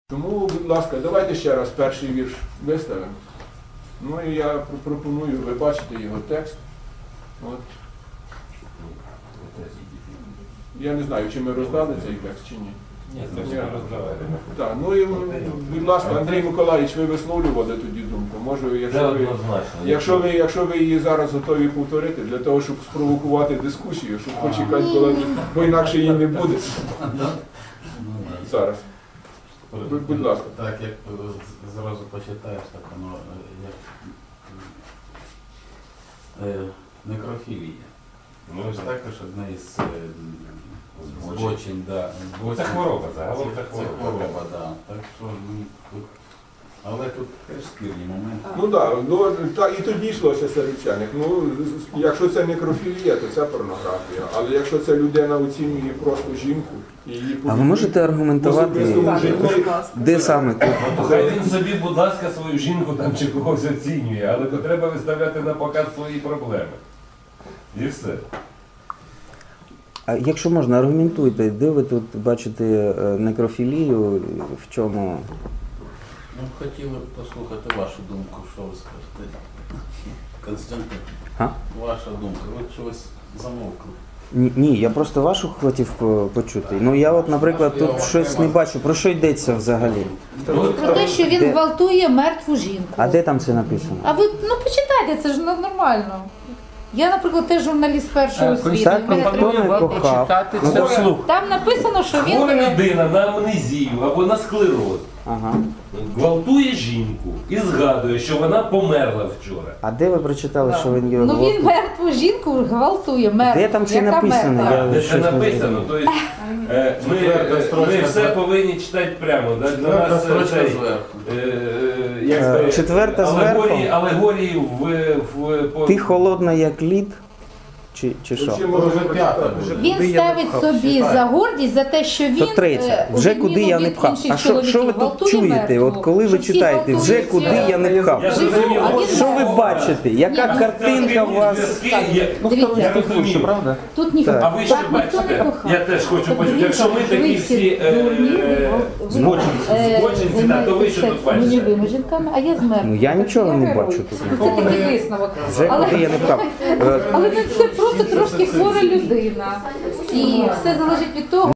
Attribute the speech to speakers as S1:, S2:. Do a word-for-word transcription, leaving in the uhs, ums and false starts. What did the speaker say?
S1: Тому, будь ласка, давайте ще раз перший вірш виставимо. Ну і я пропоную, ви бачите його текст. От. Я не знаю, чи ми роздали цей текст, чи ні.
S2: Ні, це ж не роздавали.
S1: Так, ну і, будь ласка, Андрій Миколаївич, ви висловлювали тоді думку. Може, якщо ви, якщо ви, якщо ви її зараз готові повторити, для того, щоб спровокувати дискусію, щоб почекати, коли, бо інакше її не буде. Зараз. Будь, будь ласка.
S3: Так, як зразу почитаєш, так воно як е, некрофілія.
S2: Ну,
S3: Це ж також одна із е, збочень, да.
S2: Це хвороба, загалом це
S3: Це
S2: хвороба.
S3: хвороба, да. Так що, ну, тут, але тут теж спірні моменти.
S1: Ну так, ну, та, і тоді йшлося серед вчених. Ну, якщо це некрофілія, то це порнографія. Але якщо це людина оцінює просто жінку, і її
S4: А ви можете аргументувати,
S1: особистому житті,
S4: де саме тут?
S2: Ну, хай він собі, будь ласка, свою жінку там чи когось оцінює, але то треба виставляти на показ свої проблеми. І все.
S4: А якщо можна, аргументуйте, де ви тут бачите е, некрофілію, в чому?
S3: Ну, хотіли б послухати вашу думку, що ви скажете. Константин,
S4: А?
S3: ваша думка. Ви чогось замовкли.
S4: Ні, ні, я просто вашу хотів по- почути. Ну я от, наприклад, тут щось не бачу. Про що йдеться взагалі?
S5: Про те, що він
S4: Де?
S5: гвалтує мертву жінку.
S4: А де там це написано?
S5: А ви ну почитайте, це ж ну, нормально. Я, наприклад, теж журналіст першої освіти.
S4: Так,
S5: в мене
S4: ніхто
S5: треба-
S4: не кохав. Ну, так, слух.
S5: Там написано, що він
S2: Хвора людина на амнезію або на склероз
S4: Ага.
S2: гвалтує жінку і згадує, що вона померла вчора.
S4: А де ви прочитали, що він його
S5: ну він
S4: гвалтує?
S5: мертву жінку гвалтує, мертву.
S4: Де там це
S5: яка
S4: написано?
S5: мертва?
S4: Я-
S2: Де це
S4: щось не
S2: написано, то есть, е, ми, е, ми все повинні читати прямо. Да? Для
S3: Четверта
S2: нас
S3: строчка
S2: цей,
S3: зверху.
S2: е, як
S4: Е,
S2: сказати,
S4: четверта
S2: алегорії,
S4: зверху?
S2: алегорії в, в, по...
S4: Ти холодна, як лід? Чи, чи що?
S1: Чи може
S3: Вже п'ята
S1: вже
S3: буде.
S5: Він
S4: Куди я
S5: ставить
S4: не пхав?
S5: собі
S3: Читай.
S5: за гордість за те, що він
S4: То третє.
S5: е, у
S4: Вже
S5: відміну
S4: куди я не
S5: від
S4: пхав.
S5: інших
S4: А що, що ви
S5: чоловіків,
S4: тут
S5: гвалтує
S4: чуєте?
S5: мертву.
S4: От коли ви
S5: Що всі
S4: читаєте, вже
S5: гвалтують,
S4: куди
S5: е,
S4: я не пхав?
S2: Я
S5: Що
S2: зрозумів.
S5: а він
S4: Що ви
S5: мертвий.
S4: бачите? Яка
S5: Ні, ну,
S4: картинка у вас?
S2: Я,
S5: Дивіться,
S2: я розумію.
S5: тут ніхто.
S4: Так.
S2: А ви що
S5: Так, ніхто не
S2: бачите?
S5: кохав.
S2: Я теж хочу
S5: Тобто
S2: почути.
S5: він
S2: Якщо ми
S5: каже,
S2: такі
S5: ви
S2: всі е,
S5: дурні,
S2: е,
S5: ви,
S2: збочинці,
S5: е,
S2: збочинці, да, то ви що тут
S5: займаєтеся
S2: бачите?
S5: нульовими жінками, а я з мертвими.
S4: Ну я нічого не
S5: герой.
S4: бачу тут.
S5: Це такий висновок.
S4: Вже
S5: Але,
S4: куди я не пхав. Е,
S5: але це просто трошки хвора людина. І все залежить від того,